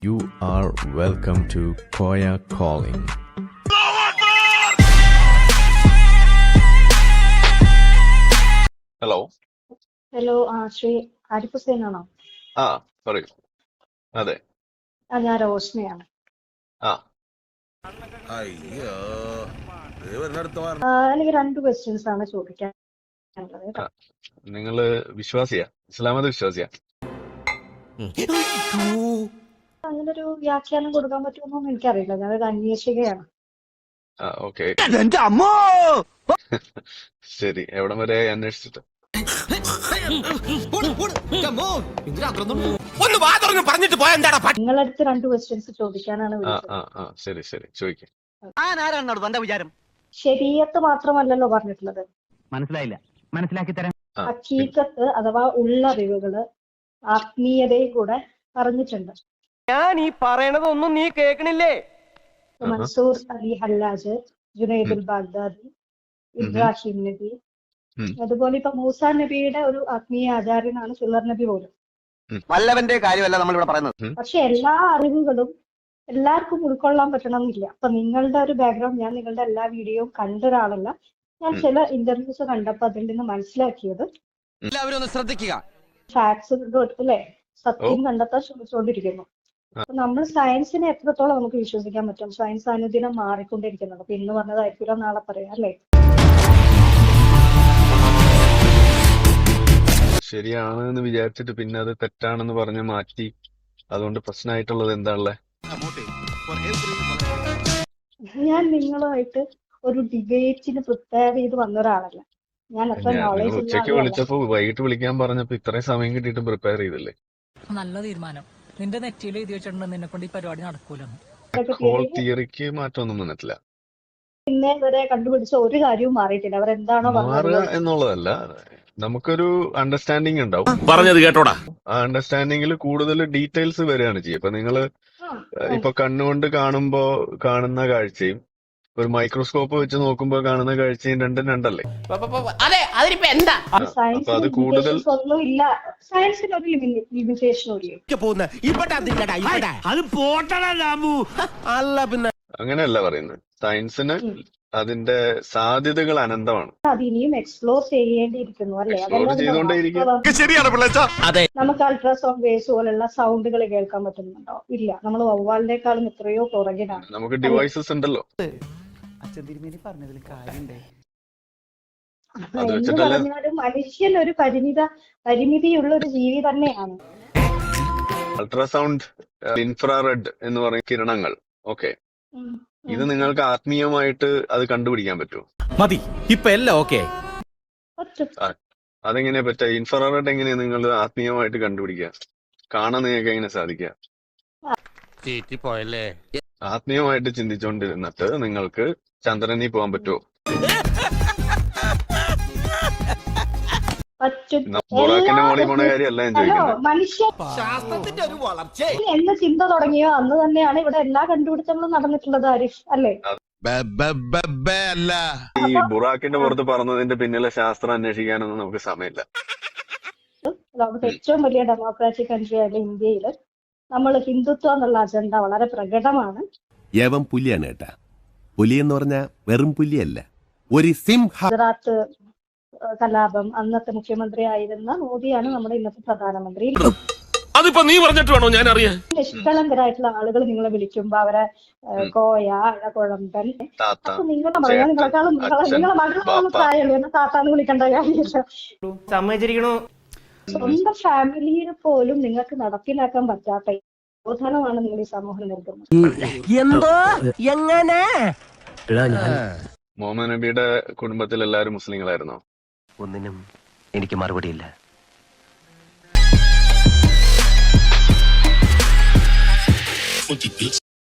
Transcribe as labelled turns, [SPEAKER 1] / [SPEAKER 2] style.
[SPEAKER 1] You are welcome to Koya Calling.
[SPEAKER 2] Hello
[SPEAKER 3] hello Shri Arif Hussain ആണോ?
[SPEAKER 2] പറയൂ. അതെ.
[SPEAKER 3] ഞാൻ റോഷ്നയാണ്. എനിക്ക് 2 ക്വസ്റ്റ്യൻസ് ആണ് ചോദിക്കാനുള്ളത് കേട്ടോ.
[SPEAKER 2] നിങ്ങള് വിശ്വാസിയാ? ഇസ്ലാമത വിശ്വാസിയാ?
[SPEAKER 3] അങ്ങനൊരു വ്യാഖ്യാനം കൊടുക്കാൻ പറ്റുമെന്നൊന്നും എനിക്കറിയില്ല. ഞാനൊരു അന്വേഷികയാണ്.
[SPEAKER 2] ഓക്കെ. ശരി, എവിടം വരെ അന്വേഷിച്ചിട്ട്?
[SPEAKER 3] നിങ്ങളടുത്ത് 2 ക്വസ്റ്റ്യൻസ് ചോദിക്കാനാണ് വിളിച്ചത്.
[SPEAKER 2] ശരി ശരി, ചോദിക്കാം.
[SPEAKER 3] ശരീഅത്ത് മാത്രമല്ലല്ലോ പറഞ്ഞിട്ടുള്ളത്,
[SPEAKER 4] മനസ്സിലായില്ല, മനസ്സിലാക്കി തരാം.
[SPEAKER 3] ഹഖീഖത്ത് അഥവാ ഉള്ളറിവുകള്, ആത്മീയതയും കൂടെ പറഞ്ഞിട്ടുണ്ട്.
[SPEAKER 5] ഞാൻ ഈ പറയണതൊന്നും നീ കേൾക്കണില്ലേ?
[SPEAKER 3] Mansoor Ali Hallaj, Junaidul Baghdadi, Ibrahim നബി, അതുപോലെ ഇപ്പൊ മൂസാ നബിയുടെ ഒരു ആത്മീയ ആചാര്യനാണ് ഹിളർ നബി പോലും.
[SPEAKER 5] വല്ലവന്റെ കാര്യമല്ല നമ്മൾ ഇവിടെ പറയുന്നത്.
[SPEAKER 3] പക്ഷെ എല്ലാ അറിവുകളും എല്ലാവർക്കും ഉൾക്കൊള്ളാൻ പറ്റണമെന്നില്ല. അപ്പൊ നിങ്ങളുടെ ഒരു ബാക്ക്ഗ്രൗണ്ട്, ഞാൻ നിങ്ങളുടെ എല്ലാ വീഡിയോയും കണ്ട ഒരാളല്ല. ഞാൻ ചില ഇന്റർവ്യൂസ് കണ്ടപ്പോ അതിൽ നിന്ന് മനസ്സിലാക്കിയത്
[SPEAKER 5] എല്ലാവരും ഒന്ന് ശ്രദ്ധിക്കുക.
[SPEAKER 3] ഫാക്ട്സ് അല്ലെ, സത്യം കണ്ടെത്താൻ ശ്രമിച്ചുകൊണ്ടിരിക്കുന്നു. അപ്പൊ നമ്മൾ സയൻസിനെ എത്രത്തോളം നമുക്ക് വിശ്വസിക്കാൻ പറ്റും? സയൻസ് അനുദിനം മാറിക്കൊണ്ടിരിക്കുന്നുണ്ട്. അപ്പൊ ഇന്ന് പറഞ്ഞതായിരിക്കില്ല നാളെ പറയാം അല്ലേ?
[SPEAKER 2] ശരിയാണ് എന്ന് വിചാരിച്ചിട്ട് പിന്നെ അത് തെറ്റാണെന്ന് പറഞ്ഞ് മാറ്റി, അതുകൊണ്ട് പ്രശ്നമായിട്ടുള്ളത് എന്താണല്ലേ?
[SPEAKER 3] ഞാൻ നിങ്ങളുമായിട്ട് ഒരു ഡിബേറ്റിന് പ്രിപ്പയർ ചെയ്ത് വന്ന ഒരാളല്ല. ഞാൻ അത്ര
[SPEAKER 2] നിങ്ങൾ
[SPEAKER 3] നോളേജ് ഉള്ള
[SPEAKER 2] ഉച്ചയ്ക്ക്
[SPEAKER 3] ആളുമല്ല.
[SPEAKER 2] വിളിച്ചപ്പോ വൈകിട്ട് വിളിക്കാൻ പറഞ്ഞപ്പോ ഇത്രയും സമയം കിട്ടിയിട്ട് പ്രിപ്പയർ ചെയ്തില്ലേ?
[SPEAKER 6] നല്ല തീരുമാനം. നിന്റെ നെറ്റിയിൽ എഴുതി വെച്ചിട്ടുണ്ട് നിന്നെ കൊണ്ട് ഈ പരിപാടി നടക്കൂലെന്ന്.
[SPEAKER 2] ഹോൾ തിയറിക്ക് മാറ്റമൊന്നും വന്നിട്ടില്ല.
[SPEAKER 3] ഇന്നേ വരെ കണ്ടുപിടിച്ച ഒരു കാര്യവും മാറിയിട്ടില്ല. അവരെന്താണോ
[SPEAKER 2] മാറുക
[SPEAKER 3] പറഞ്ഞത്
[SPEAKER 2] എന്നുള്ളതല്ല, നമുക്കൊരു അണ്ടർസ്റ്റാൻഡിങ് ഉണ്ടാവും.
[SPEAKER 7] പറഞ്ഞത് കേട്ടോടാ.
[SPEAKER 2] ആ അണ്ടർസ്റ്റാൻഡിങ്ങിൽ കൂടുതൽ ഡീറ്റെയിൽസ് വരികയാണ് ചെയ്യുക. ഇപ്പൊ നിങ്ങള് ഇപ്പൊ കണ്ണുകൊണ്ട് കാണുമ്പോ കാണുന്ന കാഴ്ചയും ഒരു മൈക്രോസ്കോപ്പ് വെച്ച് നോക്കുമ്പോ കാണുന്ന കാഴ്ചയും രണ്ടും രണ്ടല്ലേ? അപ്പൊ അത് കൂടുതൽ
[SPEAKER 3] ഒന്നും ഇല്ല. സയൻസിന് ഒരു ലിമിറ്റേഷനും ഇല്ല.
[SPEAKER 5] അല്ല പിന്നെ
[SPEAKER 2] അങ്ങനെയല്ല പറയുന്നത്. സയൻസിന് അതിന്റെ സാധ്യതകൾ അനന്തമാണ്.
[SPEAKER 3] അത് ഇനിയും എക്സ്പ്ലോർ ചെയ്യേണ്ടിയിരിക്കുന്നു അല്ലേ?
[SPEAKER 2] എക്സ്പ്ലോർ ചെയ്തുകൊണ്ടേയിരിക്കും.
[SPEAKER 3] നമുക്ക് അൾട്രാസൗണ്ട് വേവ്സ് പോലുള്ള സൗണ്ടുകൾ കേൾക്കാൻ പറ്റുന്നുണ്ടോ? ഇല്ല. നമ്മൾ വവ്വാലിനേക്കാളും എത്രയോ പുറകിലാണ്.
[SPEAKER 2] നമുക്ക് ഡിവൈസസ് ഉണ്ടല്ലോ. അത്
[SPEAKER 3] എന്ന്
[SPEAKER 2] വെച്ചിട്ടല്ല.
[SPEAKER 3] പറഞ്ഞാലും മനുഷ്യൻ ഒരു പരിമിതിയുള്ള ഒരു ജീവി തന്നെയാണ്.
[SPEAKER 2] അൾട്രാസൗണ്ട്, ഇൻഫ്രാറെഡ് എന്ന് പറയുന്ന കിരണങ്ങൾ, ഓക്കെ,
[SPEAKER 3] ഉം.
[SPEAKER 2] ഇത് നിങ്ങൾക്ക് ആത്മീയമായിട്ട് അത് കണ്ടുപിടിക്കാൻ പറ്റുമോ?
[SPEAKER 7] മതി, ഇപ്പൊ എല്ലാം ഓക്കെ.
[SPEAKER 3] പറ്റും.
[SPEAKER 2] അതെങ്ങനെയാ പറ്റുക? ഇൻഫ്രാറെഡ് എങ്ങനെയാ നിങ്ങൾ ആത്മീയമായിട്ട് കണ്ടുപിടിക്കുക? കാണാൻ നിങ്ങൾക്ക് എങ്ങനെ സാധിക്കുക?
[SPEAKER 7] പോയല്ലേ.
[SPEAKER 2] ആത്മീയമായിട്ട് ചിന്തിച്ചുകൊണ്ടിരുന്നിട്ട് നിങ്ങൾക്ക് ചന്ദ്രനിൽ പോകാൻ പറ്റുമോ?
[SPEAKER 3] പറ്റും.
[SPEAKER 2] ബുറാക്കിന്റെ മോളിൽ പോണ കാര്യമല്ല ഞാൻ ചോദിക്കുന്നത്.
[SPEAKER 3] മനുഷ്യൻ
[SPEAKER 5] ശാസ്ത്രത്തിന്റെ ഒരു വളർച്ച.
[SPEAKER 3] എന്ന് ചിന്ത തുടങ്ങിയോ അന്ന് തന്നെയാണ് ഇവിടെ എല്ലാ കണ്ടുപിടുത്തങ്ങളും നടന്നിട്ടുള്ളത്, ആരിഫ് അല്ലേ?
[SPEAKER 7] അല്ല,
[SPEAKER 2] ഈ ബുറാക്കിന്റെ പുറത്ത് പറഞ്ഞതിന്റെ പിന്നിലെ ശാസ്ത്രം അന്വേഷിക്കാനൊന്നും നമുക്ക് സമയമില്ല.
[SPEAKER 3] ലോകത്തെ ഏറ്റവും വലിയ ഡെമോക്രാറ്റിക് കൺട്രി ആയ ഇന്ത്യയിൽ നമ്മൾ ഹിന്ദുത്വം എന്നുള്ള അജണ്ട വളരെ പ്രകടമാണ്.
[SPEAKER 8] യവൻ പുലിയാണ് കേട്ടാ. പുലി എന്ന് പറഞ്ഞാൽ വെറും പുലിയല്ല, ഒരു സിംഹ.
[SPEAKER 3] ഗുജറാത്ത് കലാപം, അന്നത്തെ മുഖ്യമന്ത്രി ആയിരുന്ന മോദിയാണ് നമ്മുടെ ഇന്നത്തെ പ്രധാനമന്ത്രി.
[SPEAKER 7] അതിപ്പോ നീ പറഞ്ഞിട്ട് വേണോ ഞാൻ അറിയാൻ?
[SPEAKER 3] നിഷ്കളങ്കരായിട്ടുള്ള ആളുകൾ നിങ്ങളെ വിളിക്കുമ്പോ അവരെ കോയ, അഴകുഴമ്പൻ,
[SPEAKER 2] താത്ത,
[SPEAKER 3] അപ്പൊ നിങ്ങളെ മകളെ നിങ്ങളെക്കാളും നിങ്ങളെ മകളെ പ്രായമുള്ളൂ എന്ന് താത്താന്ന് വിളിക്കേണ്ട കാര്യമില്ല.
[SPEAKER 5] സമ്മതിച്ചിരിക്കണു.
[SPEAKER 3] സ്വന്തം ഫാമിലിയിൽ പോലും നിങ്ങൾക്ക് നടപ്പിലാക്കാൻ പറ്റാത്ത ബോധനമാണ് നിങ്ങൾ ഈ സമൂഹം നൽകുന്നത്.
[SPEAKER 5] എന്തോ എങ്ങനെ?
[SPEAKER 2] മുഹമ്മദ് നബിയുടെ കുടുംബത്തിൽ എല്ലാവരും മുസ്ലിങ്ങളായിരുന്നോ?
[SPEAKER 4] ഒന്നിനും എനിക്ക് മറുപടിയില്ല.